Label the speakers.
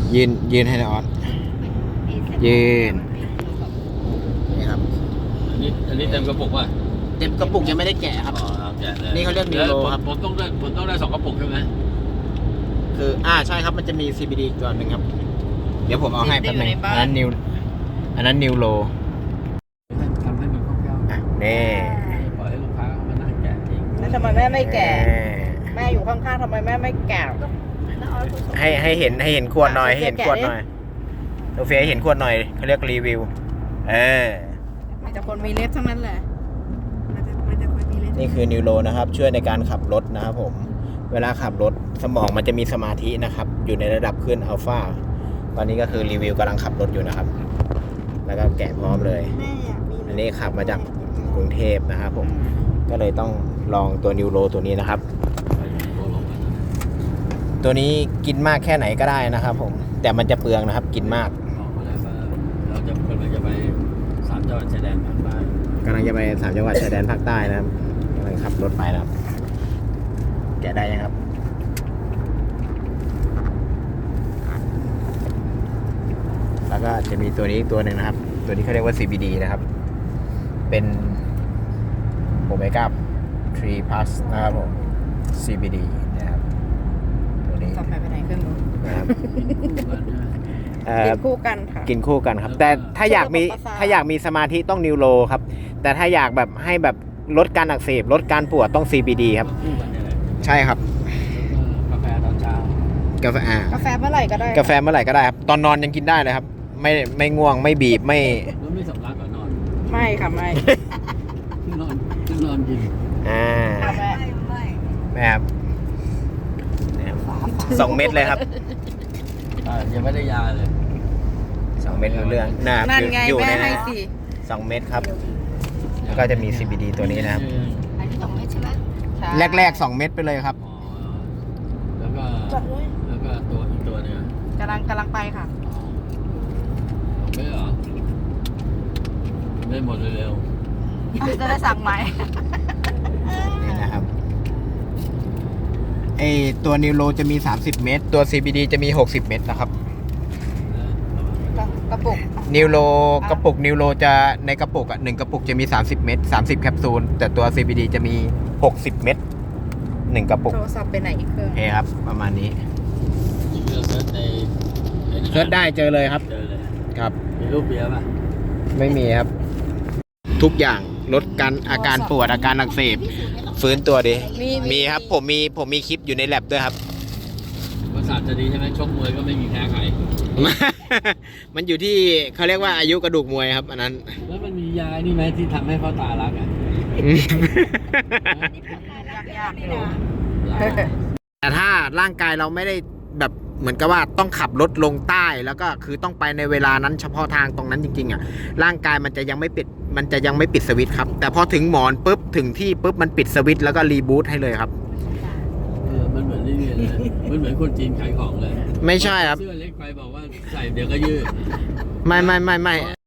Speaker 1: ยืนให้นะออสยืนนี่ครับ
Speaker 2: อันนี้เต็มกระปุกป่ะ
Speaker 1: เต็มกระปุกยังไม่ได้แกะครับ
Speaker 2: แกะเลย
Speaker 1: นี่เขาเรียกนิโรครับ
Speaker 2: ผมต้องได้2 กระปุกใช่ไหม
Speaker 1: คือใช่ครับมันจะมี CBD อีกตัวหนึ่งครับเดี๋ยวผมเอาให้แป๊บนึงอันนั้นนิวโร
Speaker 2: ทำให้มันคล่องๆ
Speaker 1: นี่
Speaker 2: ปล่อยให้ลูกค้ามานั่งแกะเอง
Speaker 3: แล้วทำไมแม่ไม่แกะแม่อยู่ข้างๆทำไมแม่ไม่แกะ
Speaker 1: ให้เห็นขวดหน่อยให้เห็นขวดหน่อยโอเฟให้เห็นขวดหน่อยเขาเรียกรีวิว
Speaker 3: มีแต่คนมีเล็บทั้งนั้นแหละ
Speaker 1: นี่คือนิวโรนะครับช่วยในการขับรถนะครับผมเวลาขับรถสมองมันจะมีสมาธินะครับอยู่ในระดับขึ้นอัลฟาตอนนี้ก็คือรีวิวกำลังขับรถอยู่นะครับแล้วก็แกะพร้อมเลยอันนี้ขับมาจากกรุงเทพนะครับผมก็เลยต้องลองตัวนิวโรตัวนี้นะครับตัวนี้กินมากแค่ไหนก็ได้นะครับผมแต่มันจะเปลืองนะครับกินมาก
Speaker 2: เราจะกำลังจะไป3 จังหวัดชายแดนภาคใต้
Speaker 1: กำลังจะไป3 จังหวัดชายแดนภาคใต้นะครับกำลังขับรถไปนะครับแกะได้ยังครับแล้วก็จะมีตัวนี้ตัวหนึ่งนะครับตัวนี้เขาเรียกว่า CBD นะครับเป็นโอเมก้า3 plus นะครับผม CBD นะครับตัวนี้
Speaker 3: ต่อไปไหนเครื่องนู้น
Speaker 1: นะครับ
Speaker 3: กินคู่กันค่ะ
Speaker 1: กินคู่กันครับแต่ถ้าอยากมีสมาธิต้องนิวโรครับแต่ถ้าอยากแบบให้แบบลดการอักเสบลดการปวดต้อง CBD ครับใช่ครับ
Speaker 2: กาแฟตอนเช้าก
Speaker 3: าแฟเมื่อไหร่ก็ได้
Speaker 1: กาแฟเมื่อไหร่ก็ได้ครับตอนนอนยังกินได้เลยครับไม่ง่วงไม่บีบไม่
Speaker 2: สำลักก่อนนอน
Speaker 3: ไม่ค่ะไม่
Speaker 2: นอนกิน
Speaker 1: แม่ครับ2 เม็ดเลยครับ
Speaker 2: ยังไม่ได้ยาเลย
Speaker 1: 2 เม็ดเรื่อง
Speaker 3: นั่นไง
Speaker 1: อยู่ใน
Speaker 3: ให้
Speaker 1: สิ2 เม็ดครับแล้วก็จะมี CBD ตัวนี้นะครับ
Speaker 3: อันนี้2 เม็ดใช่ไหม
Speaker 1: แรก2 เม็ดไปเลยครับ
Speaker 2: แล้วก็ตัวอีกตัวนึง
Speaker 3: กำลังไปค่ะ
Speaker 2: ไม่เหรอไม่หมดเร็ว
Speaker 3: จะได้สั่งใหม่
Speaker 1: นี่นะครับตัวนิวโรจะมี30 เม็ดตัว CBD จะมี60 เม็ดนะครับ
Speaker 3: กระปุก
Speaker 1: นิวโรกระปุกนิวโรจะในกระปุก1 กระปุกจะมี30 เม็ด30 แคปซูลแต่ตัว CBD จะมี60 เม็ด1 กระปุก
Speaker 3: โทรศัพท์ไปไหนอีกเครื่อง
Speaker 1: ครับประมาณนี้เซิร์ชได้เจอเลยครับครับ
Speaker 2: มีรูปเบียร์ป่ะ
Speaker 1: ไม่มีครับทุกอย่างลดอาการปวดอาการอักเสบฟื้นตัวดีมีครับผมมีคลิปอยู่ในแลบด้วยครับ
Speaker 2: ประสาทจะดีใช่ไหมชกมวยก็ไม่มีแพ้ใคร
Speaker 1: มันอยู่ที่เขาเรียกว่าอายุกระดูกมวยครับอันนั้น
Speaker 2: แล้วมันมียานี่ไหมที่ทำให้พ่อตารักอ่ะ
Speaker 3: ยากอยู่
Speaker 1: แต่ถ้าร่างกายเราไม่ได้แบบเหมือนกับว่าต้องขับรถลงใต้แล้วก็คือต้องไปในเวลานั้นเฉพาะทางตรงนั้นจริงๆอ่ะร่างกายมันจะยังไม่ปิดสวิตช์ครับแต่พอถึงหมอนปุ๊บถึงที่ปุ๊บมันปิดสวิตช์แล้วก็รีบูตให้เลยครับ
Speaker 2: มันเหมือนนี่เลยมันเหมือนคนจีนขายของเลย
Speaker 1: ไม่ใช่ครับ
Speaker 2: เสื้อเล็กไปบอกว่าใส่เดี๋ยวก็ยืด
Speaker 1: ไม่